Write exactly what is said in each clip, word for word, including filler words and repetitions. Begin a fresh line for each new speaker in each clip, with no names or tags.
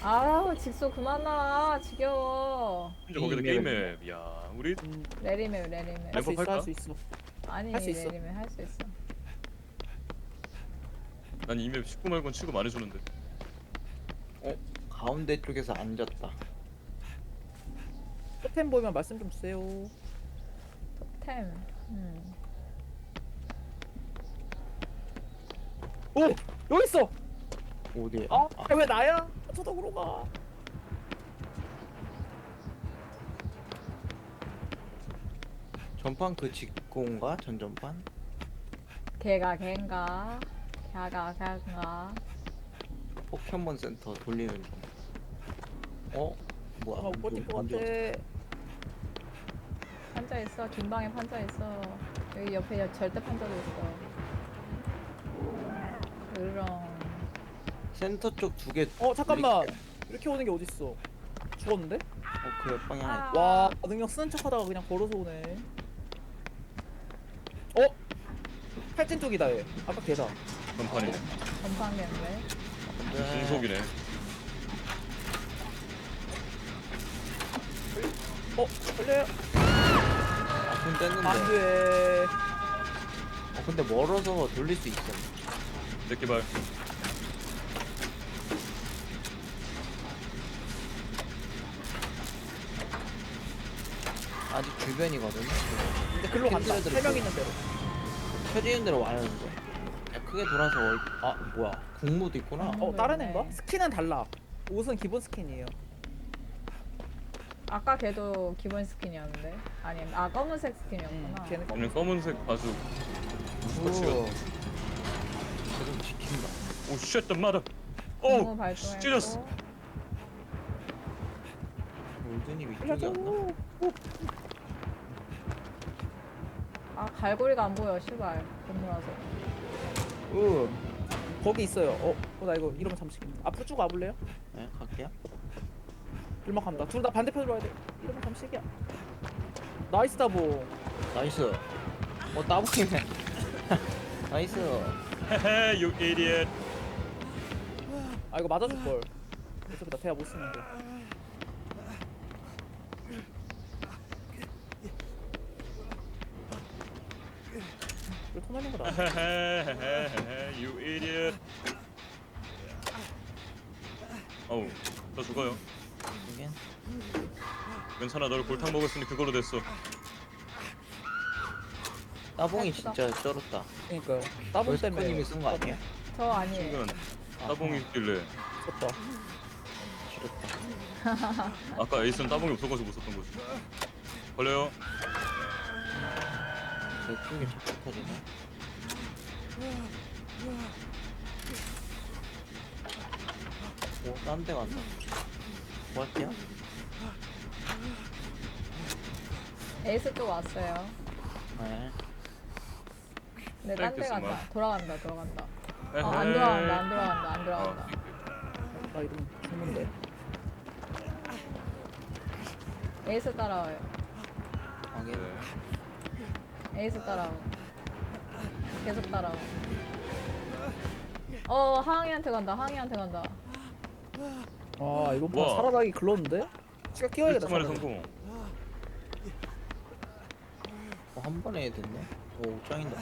아우 직소 그만 나와 지겨워.
심지어 거기다
게임
게임맵. 야, 우리
음,
내리매 내리매.
할 수
램프
있어,
할까?
할 수 있어.
아니
할수 있어.
내리매 할 수 있어.
난 이 맵 십구 말곤 치고 말해주는데.
어? 가운데 쪽에서 앉았다.
토템 보이면 말씀 좀 주세요.
템. 음.
오! 여기 있어!
어디에?
아, 왜 나야? 저쪽으로 가.
전판 그 직공가? 전전판?
걔가 걔인가? 걔가 걔인가?
포켓몬 센터 돌리는 중. 어? 뭐야?
아, 못 버틸 것
언제
같아.
왔어?
판자 있어. 뒷방에 판자 있어. 여기 옆에 여- 절대 판자도 있어. 그럼
센터 쪽 두 개.
어, 잠깐만. 이렇게 오는 게 어딨어? 죽었는데?
어, 그 옆 방향에.
아.
와, 능력 쓰는 척 하다가 그냥 걸어서 오네. 어? 팔진 쪽이다, 얘. 아까 걔다.
전판이네.
전방인데.
네.
중속이네.
어? 걸려요?
아, 손 뗐는데.
안 돼.
어, 근데 멀어서 돌릴 수 있어.
새끼발.
아직 주변이거든.
근데 글로 간다.
캔들애들
세 명
있고.
있는 대로.
펴지는 대로 와야 하는데. 야, 크게 돌아서 월... 아, 뭐야. 국무도 있구나.
어.
어, 다른
있네.
애인가? 스킨은 달라. 옷은 기본 스킨이에요.
아까 걔도 기본 스킨이었는데. 아니, 아 검은색
음,
스킨이었구나.
걔는
얘는 검은색 바수. 스포츠가.
오. 계속 지킨다.
오, 쉣, 마다.
공무
오,
발동했고.
찢었어.
골드님
살려줘.
이쪽이었나?
아 갈고리가 안 보여. 시발. 공무라서.
으.
거기 있어요. 어, 어, 나 이거 이러면 잠시겠네. 앞으로 쭉 와볼래요?
네, 갈게요.
일막 간다. 둘 다 반대편으로 와야 돼. 이러면 잠시기야. 나이스 다보.
나이스. 어, 따봉이네. 나이스.
헤헤, you idiot.
아 이거 맞아줄 걸. 어차피 나 대화 못 쓰는데. 이거 토날린 거다.
헤헤헤헤헤, you idiot. 어우, 저 죽어요.
이게
괜찮아, 널 골탕 먹었으니 그걸로 됐어.
따봉이
예쁘다.
진짜 쩔었다.
그러니까요. 따봉 때문에.
월스코님이 쓴 거 아니에요?
저 아니에요.
순간 따봉이 있길래.
졌다.
지렸다.
아까 에이스는 따봉이 없어가지고 못 썼던 거지. 걸려요.
내 쪽에 자꾸 터지네. 오, 딴 데 간다. 뭐 할게요?
에이스 또 왔어요.
네.
근데 딴 데
땡겼어,
간다.
말.
돌아간다. 돌아간다. 어,
에헤이.
안 돌아간다. 안 돌아간다. 안 돌아간다.
어,
나 이러면 죽는데.
에이스 따라와요.
확인.
네.
에이스 따라와. 계속 따라와. 어 하항이한테 간다. 하항이한테 간다.
아 이번 판
우와.
살아나기 글렀는데? 시간 끼워야겠다.
일주만에
살아나기.
성공.
어, 한 번에 됐네. 오, 짱이다.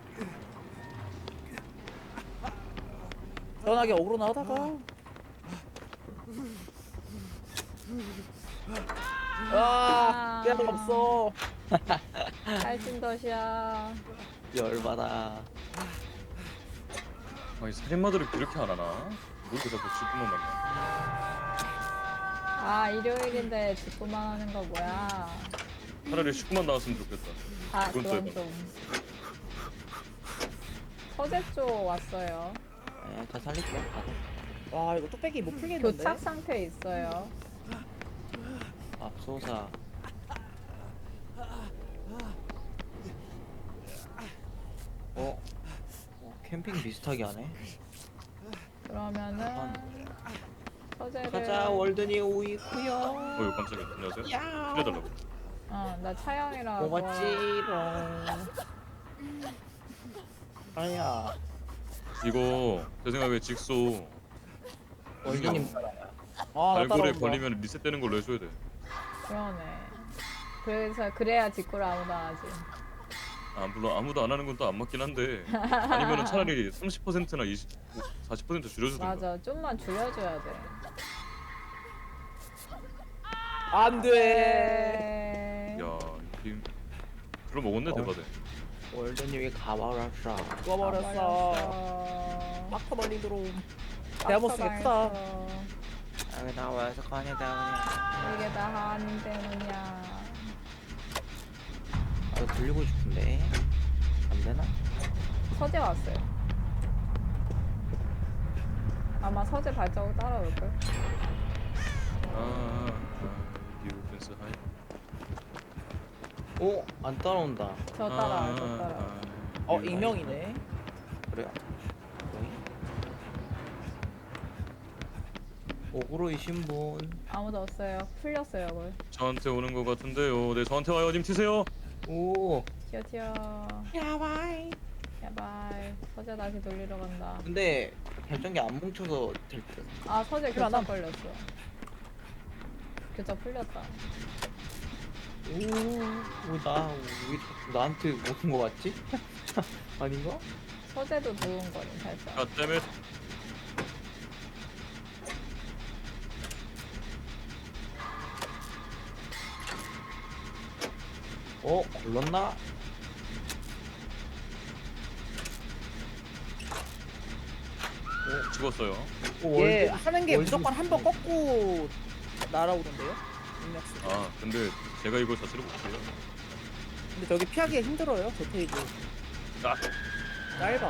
편하게 어그로 나가다가. 아, 깨알 없어.
살찐덧이야.
열받아.
아니 살인마들을 그렇게 안 하나? 뭘 이렇게 자꾸 죽구만 만나.
아 일요일인데 직구만 하는 거 뭐야?
차라리 십구만 나왔으면 좋겠다.
아
그건 또
그건
해봐.
좀. 서재 쪽 왔어요.
네, 다 살릴게요. 가자.
와 이거 뚝배기 못 풀겠는데?
교착 상태 있어요.
앞소사. 어? 어, 캠핑 비슷하게 하네.
그러면은 서재를.
가자, 월드니 오이쿠요.
어유 깜짝이야. 안녕하세요.
야.
살려달라고.
어나 차영이라.
고맙지롱. 아야.
이거 제 생각에 직소
월드님
이거
아나
발골에
따라온다.
걸리면 리셋되는 걸로 해줘야 돼.
그러네. 그래서 그래야 직구를 아무도 안 하지.
아 물론 아무도 안 하는 건 또 안 맞긴 한데 아니면은 차라리 삼십 퍼센트나 이십, 사십 퍼센트 줄여주든가.
맞아. 좀만 줄여줘야 돼.
안돼.
네.
야, 이 게임 그럼 먹었네
어.
대박에.
월드님이 가버렸어.
죽어버렸어. 막터 멀리 들어옴. 데아모스 예쁘다.
여기 나와서 꺼내다
이게 다 한이 때문이야.
그냥. 아 돌리고 싶은데 안 되나?
서재 왔어요. 아마 서재 발자국 따라올걸?
아, 아, 디펜스 하이.
오, 안 따라온다.
저 따라, 저 따라.
어 익명이네.
그래요? 오그로이 신분.
아무도 없어요. 풀렸어요, 그걸.
저한테 오는 것 같은데요. 네, 저한테 와요. 님 튀세요.
오.
튀어, 튀어.
야바이.
야발. 서재 다시 돌리러 간다.
근데 발전기 안 뭉쳐서 될 듯.
아, 서재
필요 안
교차
함.
걸렸어. 교차 풀렸다.
오, 오, 나, 왜 자꾸 나한테 오는 거 같지? 아닌가?
서재도 누운 거니, 살짝.
아, 때문에
어, 걸렸나?
죽었어요.
오,
얘
월드-
하는 게
월드-
무조건 한 번 꺾고 날아오던데요? 익명스.
아, 근데 제가 이걸 자체를 못해요.
근데 저기 피하기가 힘들어요. 저 테이블.
아,
짧아.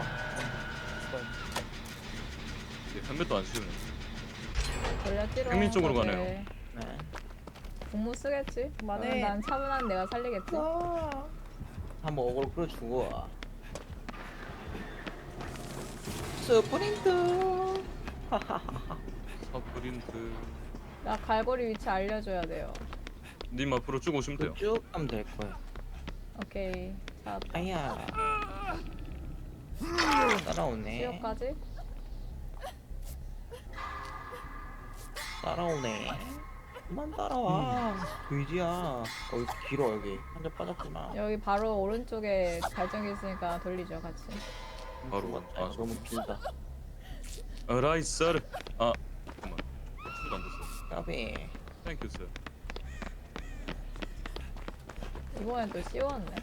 헬멧도 안 씌우네.
돌려찌러.
행민 쪽으로
서재.
가네요.
네.
공무 쓰겠지?
그만해.
그러면 난 차분한 내가 살리겠지?
와.
한번 어그로 끌어주고. 스프린트.
서프린트.
나 갈고리 위치 알려줘야 돼요.
님 앞으로 쭉 오시면 돼요.
쭉 가면 될 거야.
오케이. 찾았다.
아야. 따라오네.
수요까지?
따라오네. 그만 따라와. 의지야. 어, 여기 길어 여기. 한대 빠졌구나.
여기 바로 오른쪽에 발전기 있으니까 돌리죠, 같이.
바로.
아,
아,
너무 길다.
라이서르. 아, 잠깐만. 술안 됐어.
까비.
땡큐 스.
이번엔 또 씌웠네.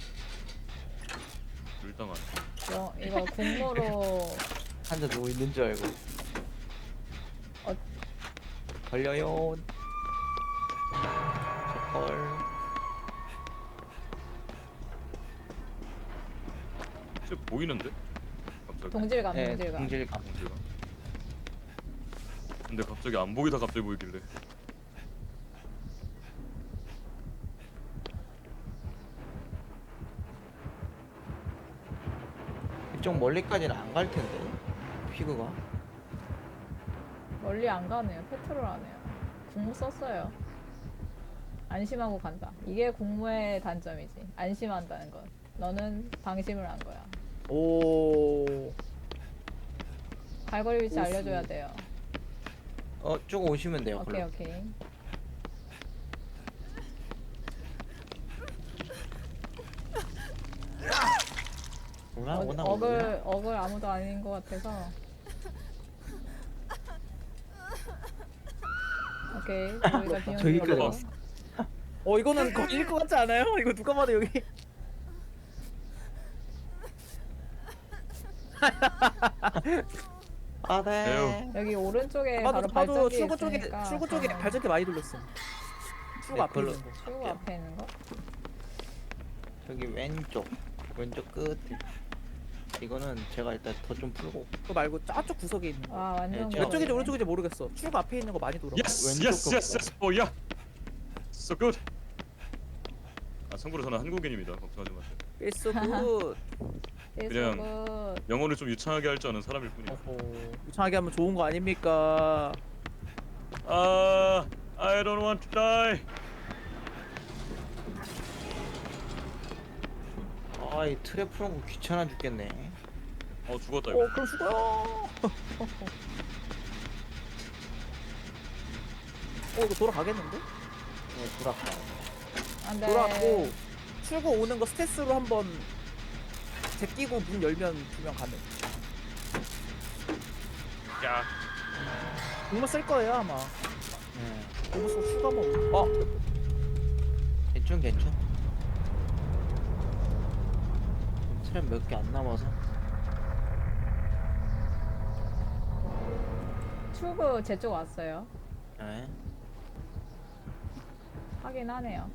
물당한.
여, 이거 국모로
한대 누워 있는 줄 알고.
어.
걸려요. 저걸.
쟤 보이는데? 갑자기.
동질감,
네,
동질감.
동질감.
동지가. 근데 갑자기 안 보이다 갑자기 보이길래.
좀 멀리까지는 안 갈 텐데. 피그가.
멀리 안 가네요. 페트롤 하네요. 국무 썼어요. 안심하고 간다. 이게 국무의 단점이지. 안심한다는 건. 너는 방심을 한 거야.
오.
갈고리 위치
오수.
알려줘야 돼요.
어, 쭉 오시면 돼요.
오케이,
걸로.
오케이.
오나
어,
오나 오나.
어글, 어글 아무도 아닌 것 같아서. 오케이. 저희가 비용
저기까지
들어가고.
왔어.
어 이거는 걸릴 것 같지 않아요? 이거 누가 봐도 여기.
아, 네.
여기 오른쪽에 바로
봐도 봐도
발전기
출구 쪽에
있으니까.
출구 쪽에
어,
발전기 많이 돌렸어. 출구
네,
앞에
걸로-
있는 거.
출구 앞에 있는 거?
저기 왼쪽. 왼쪽 끝. 이거는 제가 일단 더 좀 풀고.
그거 말고 저쪽 구석에 있는 거.
아 완전
네,
왼쪽인지
그러네.
오른쪽인지 모르겠어. 출구 앞에 있는 거 많이 돌아.
예스,
왼쪽
예스,
거
예스, 예스, 오야. So good. 아, 참고로 저는 한국인입니다. 걱정하지 마세요.
It's so good.
그냥-
그냥
영어를 좀 유창하게 할 줄 아는 사람일 뿐이에요.
어허. 유창하게 하면 좋은 거 아닙니까?
아, I don't want to die.
아, 이 트랩 푸는 거 귀찮아 죽겠네.
어, 죽었다 이거.
어 그럼 죽어요. 어 이거 돌아가겠는데?
네, 돌아가.
안돼.
돌아가고 출구 오는 거 스태스로 한번 제끼고 문 열면 두 명 가능.
야
공모 쓸 거예요 아마.
네.
공모 쓰고 추가 뭐. 어
괜찮 괜찮. 트램 몇 개 안 남아서.
출구 제 쪽 왔어요.
네.
확인하네요.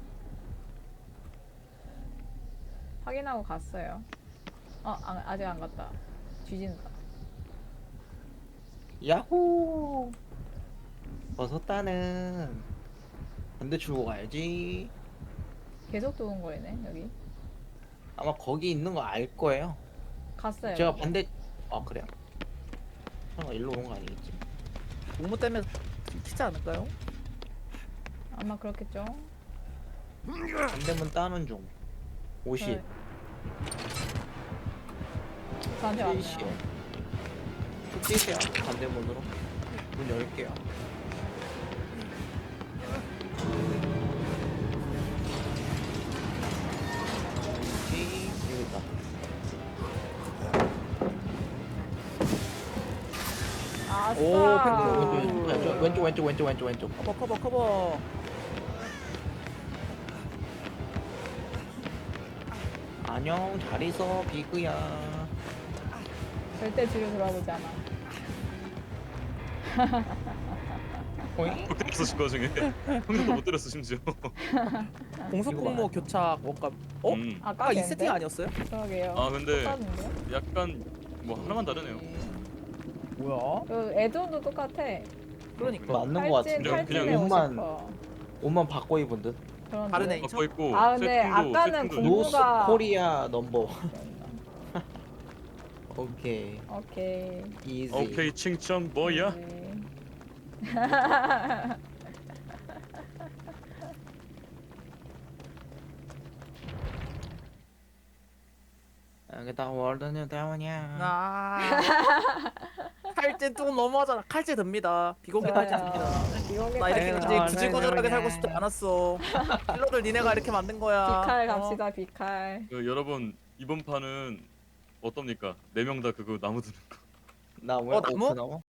확인하고 갔어요. 어 아, 아직 안 갔다. 뒤진다.
야호. 벗었다는. 반대 출구 가야지.
계속 두근거리네 여기.
아마 거기 있는 거 알 거예요.
갔어요.
제가
근데.
반대. 아 그래요? 설마 일로 오는 거 아니겠지?
공모 때문에 키지 않을까요?
아마 그렇겠죠.
반대문 따는 중. 오십.
네. 저한테 왔네요.
칠십. 쭉 뛰세요. 반대문으로. 문 열게요. 여기 여기 있다.
아싸.
오,
왼쪽 왼쪽 왼쪽 왼쪽 왼쪽 왼쪽 왼쪽.
커버 커버 커버.
안녕 잘 있어 비그야.
절대 뒤로 돌아보지 않아.
호잉?
못 때렸어 그 와중에. 형님도 못 때렸어 심지어.
공속
이거
공모
봐.
교차 원값. 어?
음.
아까
아까 이
걔인데?
세팅 아니었어요?
그러게요.
아 근데
똑같은데?
약간 뭐 하나만 다르네요.
뭐야?
그 애드온도 똑같아.
그러니까
맞는 거
탈진
같은데.
그냥-
탈진에
그냥
옷만
오십 퍼센트.
옷만 바꿔 입은 듯.
그런데.
다르네.
바꿔 있고
아, 근데
세팅도
아까는
세팅도
공-
노스
공부가-
코리아 넘버. 오케이
오케이.
이지.
오케이 칭찬 뭐야?
네.
여기다 월드는 대원이야.
아 칼제 또 너무하잖아. 칼제 듭니다. 비공개 칼제
좋아요.
듭니다.
비공개
나 이렇게
네,
칼질.
이제
아,
구질구질하게
네,
살고
네.
싶지 않았어. 킬러들 니네가 이렇게 만든 거야.
비칼
어.
갑시다 비칼.
그, 여러분 이번 판은 어떻습니까? 네 명 다 그거 나무 드는 거.
나무야?
어, 나무?
오크 나무?